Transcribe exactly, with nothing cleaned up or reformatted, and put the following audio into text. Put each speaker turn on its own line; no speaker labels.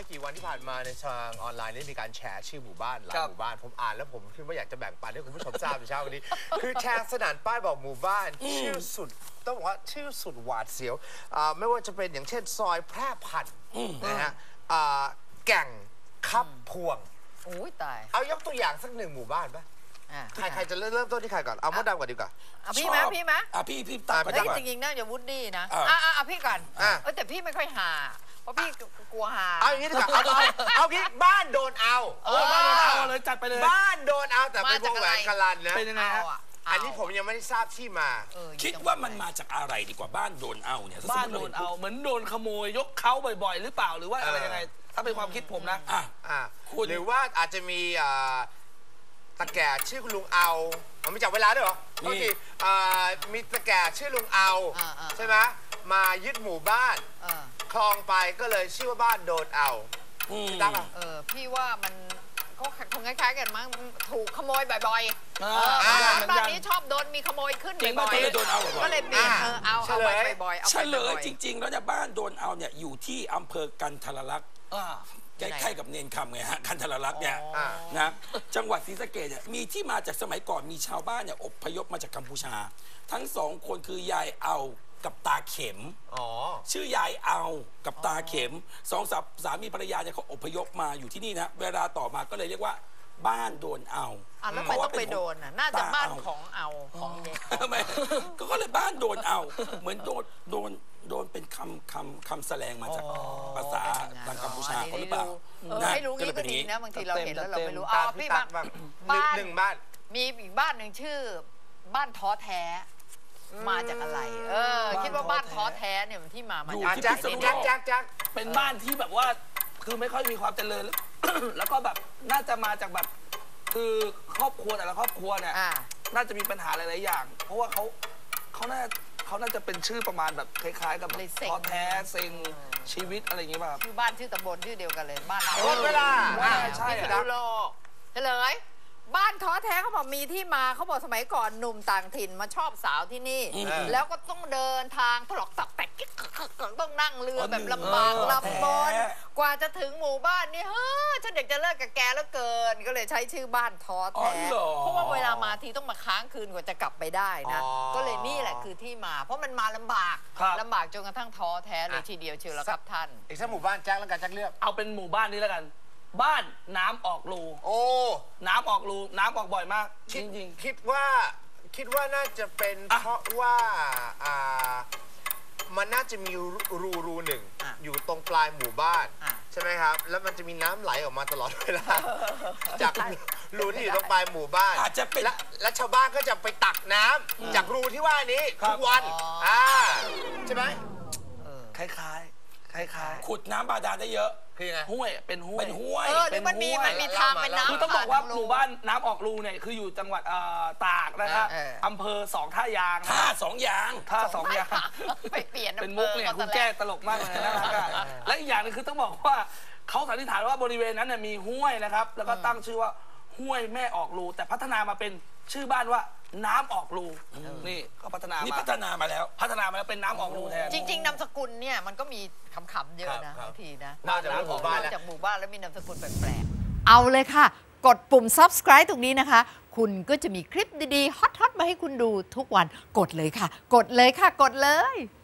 ไม่กี่วันที่ผ่านมาในทางออนไลน์ได้มีการแชร์ชื่อหมู่บ้านหลายหมู่บ้านผมอ่านแล้วผมคิดว่าอยากจะแบ่งปันให้คุณผู้ชมทราบในเช้าวันนี้คือแชร์สนานป้ายบอกหมู่บ้านชื่อสุดต้องบอกว่าชื่อสุดหวาดเสียวไม่ว่าจะเป็นอย่างเช่นซอยแพร่พันธุ์นะฮะแก่งคับพวง
โอ้ยตาย
เอายกตัวอย่างสักหนึ่งหมู่บ้านไหมใครใครจะเริ่มเริ่มต้นที่ใครก่อนเอามดดำก่อนดีกว่า
พี่ไหมพี่ไหม
อ่ะพี่พี่ตามไปดีกว่า
จริงๆน่าจะวูดดี้นะอ่ะอ่ะพี่ก่อนเออแต่พี่ไม่ค่อยหาเพราะพี่กลัวหา
เอาอย่างนี้ดีกว่าเอาเอางี้บ้านโดนเอา
โอ้บ้านโดนเอาเลยจัดไปเลย
บ้านโดนเอาแต่เป็นวงแหวนกะลันนะ
เป็นยังไงฮะ
อันนี้ผมยังไม่ได้ทราบที่มา
คิดว่ามันมาจากอะไรดีกว่าบ้านโดนเอาเนี่ย
บ้านโดนเอาเหมือนโดนขโมยยกเขาบ่อยๆหรือเปล่าหรือว่าอะไรยังไงถ้าเป็นความคิดผมนะ
อ่ะอ่ะหรือว่าอาจจะมีตะแก่ชื่อคุณลุงเอามันไม่จับเวลาด้วยเหรอโอเคมีตะแก่ชื่อลุงเอาใช่ไหมมายึดหมู่บ้านคลองไปก็เลยชื่อว่าบ้านโดนเอา
ตั้งเออพี่ว่ามันก็คงคล้ายๆกันมั้งถูกขโมยบ่อยๆบ้านนี้ชอบโดนมีขโมยขึ้นบ่อยๆก็เลยเปลี่ยนเออเอาเอาไปบ่อยๆเอา
เฉลยจริงๆแล้วเนี่ยบ้านโดนเอาเนี่ยอยู่ที่อำเภอกันทรลักษณ์ใกล้ๆกับเนนคำไงฮะกันทรลักษณ์เนี่ยนะจังหวัดศรีสะเกษเนี่ยมีที่มาจากสมัยก่อนมีชาวบ้านเนี่ยอพยพมาจากกัมพูชาทั้งสองคนคือยายเอากับตาเข็มชื่อยายเอากับตาเข็มสองสามีภรรยาเนี่ยเขาอพยพมาอยู่ที่นี่นะเวลาต่อมาก็เลยเรียกว่าบ้านโดนเอา
แล้วไม่ต้องไปโดนน่าจะบ้านของเอาของเด็ก
ก็เลยบ้านโดนเอาเหมือนโดนโดนโดนเป็นคำคำคำแสลงมาจากภาษาทางกัมพูชาเขาหรือเปล่า
ไม่รู้งี้ก็ดีนะบางทีเราเห็นแล้วเราไม่รู้อ๋อพี่บ้าน
บ้านหนึ่งบ้าน
มีอีกบ้านหนึ่งชื่อบ้านท้อแท้มาจากอะไรเออคิดว่าบ้านท้อแท้เนี่ยมันที่มามา
จากจักจักจักจัก
เป็นบ้านที่แบบว่าคือไม่ค่อยมีความเจริญแล้วก็แบบน่าจะมาจากแบบคือครอบครัวแต่ละครอบครัวเนี่ยน่าจะมีปัญหาหลายๆอย่างเพราะว่าเขาเขาน่าเขาน่าจะเป็นชื่อประมาณแบบคล้ายๆกับท้อแท้เซ็งชีวิตอะไรอย่างเงี้ยแบบ
ชื่อบ้านชื่อตำบลชื่อเดียวกันเลยบ้าน
หมดเวลา
ใช่ครับเฉลยบ้านท้อแท้เขาบอกมีที่มาเขาบอกสมัยก่อนหนุ่มต่างถิ่นมาชอบสาวที่นี่แล้วก็ต้องเดินทางถลอกตักแตกต้องนั่งเรือแบบลำบากลำบนกว่าจะถึงหมู่บ้านนี่เฮ้ยฉันเด็กจะเลิกกับแกแล้วเกินก็เลยใช้ชื่อบ้านท้อแท้เพราะว่าเวลามาทีต้องมาค้างคืนกว่าจะกลับไปได้นะก็เลยนี่แหละคือที่มาเพราะมันมาลำบากลำบากจนกระทั่งท้อแท้เลยทีเดียวเชียวแล้วครับท่าน
อีกสักหมู่บ้านแจ็คแล้วกันแจ็คเลือก
เอาเป็นหมู่บ้านนี้แล้วกันบ้านน้ำออกรู
โอ้
น้ำออกรูน้ำออกบ่อยมากจริง
ๆคิดว่าคิดว่าน่าจะเป็นเพราะว่าอ่ามันน่าจะมีรูรูหนึ่งอยู่ตรงปลายหมู่บ้านใช่ไหมครับแล้วมันจะมีน้ำไหลออกมาตลอดเวลาจากรูที่อยู่ตรงปลายหมู่บ้าน
อาจจะเป็น
และชาวบ้านก็จะไปตักน้ำจากรูที่ว่านี้ทุกวันอ่าใช่ไหม
คล้ายๆคล้าย
ๆขุดน้ำบาดาลได้เยอะ
คือไง
ห้วยเป็นห้วย
เป็นห้วย
เออหรือมันมีมันมีทางเป็นน้ำ
คือต้องบอกว่าหมู่บ้านน้ำออกรูเนี่ยคืออยู่จังหวัดตากนะครับอำเภอสองท่ายาง
ท่าสองยาง
ท่าสองยาง
ไปเปลี่ยน
เป็นมุกเนี่ยคุณแก้ตลกมากเลยนะครับและอีกอย่างนึงคือต้องบอกว่าเขาสันนิษฐานว่าบริเวณนั้นเนี่ยมีห้วยนะครับแล้วก็ตั้งชื่อว่าห้วยแม่ออกรูแต่พัฒนามาเป็นชื่อบ้านว่าน้ำออกรูนี่ก็พัฒนา
นี่พัฒนามาแล้ว
พัฒนามาแล้วเป็นน้ำออกรูแทน
จริงๆนามสกุลเนี่ยมันก็มีคำๆเยอะนะบางทีนะ
นอกจากหมู่บ้าน
จากหมู่บ้านแล้วมีนามสกุลแปลกๆเอาเลยค่ะกดปุ่ม ซับสไครบ์ ตรงนี้นะคะคุณก็จะมีคลิปดีๆฮอตๆมาให้คุณดูทุกวันกดเลยค่ะกดเลยค่ะกดเลย